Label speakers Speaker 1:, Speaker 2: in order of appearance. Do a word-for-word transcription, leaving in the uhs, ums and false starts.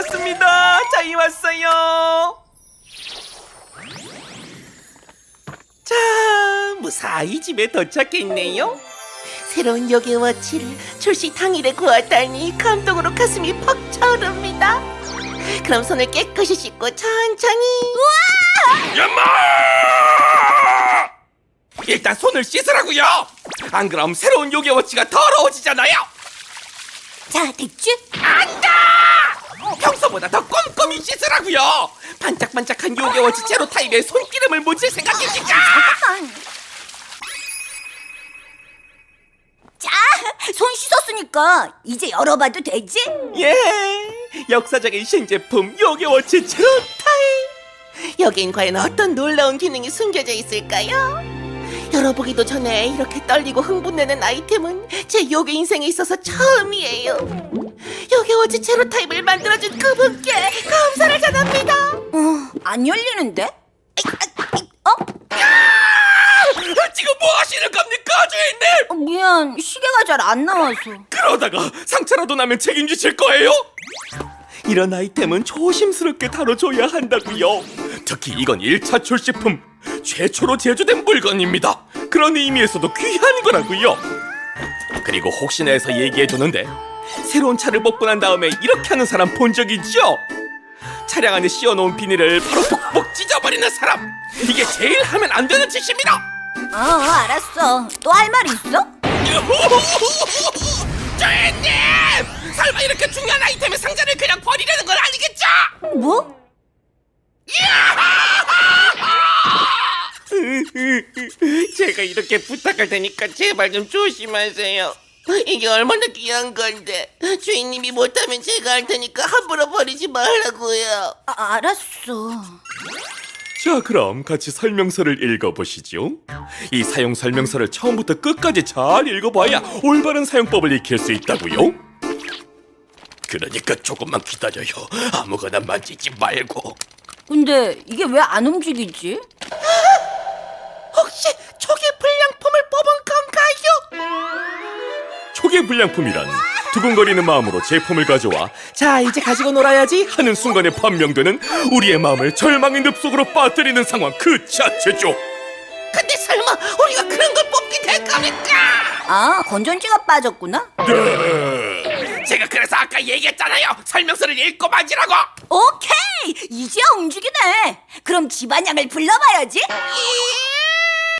Speaker 1: 왔습니다. 저희 왔어요. 자, 무사히 집에 도착했네요. 새로운 요괴워치를 출시 당일에 구하다니 감동으로 가슴이 퍽 차오릅니다. 그럼 손을 깨끗이 씻고 천천히. 우와!
Speaker 2: 야마! 일단 손을 씻으라고요. 안 그럼 새로운 요괴워치가 더러워지잖아요.
Speaker 3: 자, 됐지?
Speaker 2: 안다! 평소보다 더 꼼꼼히 씻으라고요. 반짝반짝한 요괴워치 제로 타입에 손기름을 묻힐 생각입니까?
Speaker 3: 잠깐만. 자, 손 씻었으니까 이제 열어봐도 되지?
Speaker 1: 예, 역사적인 신제품 요괴워치 제로 타입. 여긴 과연 어떤 놀라운 기능이 숨겨져 있을까요? 열어보기도 전에 이렇게 떨리고 흥분되는 아이템은 제 요괴 인생에 있어서 처음이에요. 요괴워치 제로 타입을 만들어준 그분께 감사를 전합니다.
Speaker 3: 어, 안 열리는데? 어?
Speaker 2: 지금 뭐 하시는 겁니까, 주인님?
Speaker 3: 어, 미안, 시계가 잘 안 나와서.
Speaker 2: 그러다가 상처라도 나면 책임지실 거예요?
Speaker 1: 이런 아이템은 조심스럽게 다뤄줘야 한다고요.
Speaker 2: 특히 이건 일 차 출시품, 최초로 제조된 물건입니다. 그런 의미에서도 귀한 거라고요. 그리고 혹시나 해서 얘기해두는데, 새로운 차를 먹고 난 다음에 이렇게 하는 사람 본 적 있죠? 차량 안에 씌워놓은 비닐을 바로 폭폭 찢어버리는 사람! 이게 제일 하면 안 되는 짓입니다!
Speaker 3: 어, 알았어. 또 할 말 있어?
Speaker 2: 주인님! 설마 이렇게 중요한 아이템의 상자를 그냥 버리려는 건 아니겠죠?
Speaker 3: 뭐?
Speaker 1: 제가 이렇게 부탁할 테니까 제발 좀 조심하세요. 이게 얼마나 귀한 건데 주인님이 못하면 제가 할 테니까 함부로 버리지 말라고요.
Speaker 3: 아, 알았어.
Speaker 2: 자, 그럼 같이 설명서를 읽어보시죠. 이 사용 설명서를 처음부터 끝까지 잘 읽어봐야 올바른 사용법을 익힐 수 있다고요. 그러니까 조금만 기다려요. 아무거나 만지지 말고.
Speaker 3: 근데 이게 왜 안 움직이지?
Speaker 1: 혹시 초기 불량품을 뽑은 건가요?
Speaker 2: 초기 불량품이란 두근거리는 마음으로 제품을 가져와 자, 이제 가지고 놀아야지 하는 순간에 판명되는 우리의 마음을 절망의 늪속으로 빠뜨리는 상황 그 자체죠.
Speaker 1: 근데 설마 우리가 그런 걸 뽑게 될 겁니까?
Speaker 3: 아, 건전지가 빠졌구나?
Speaker 2: 네. 제가 그래서 아까 얘기했잖아요. 설명서를 읽고 만지라고.
Speaker 3: 오케이! 이제야 움직이네. 그럼 집안양을 불러봐야지.
Speaker 1: 이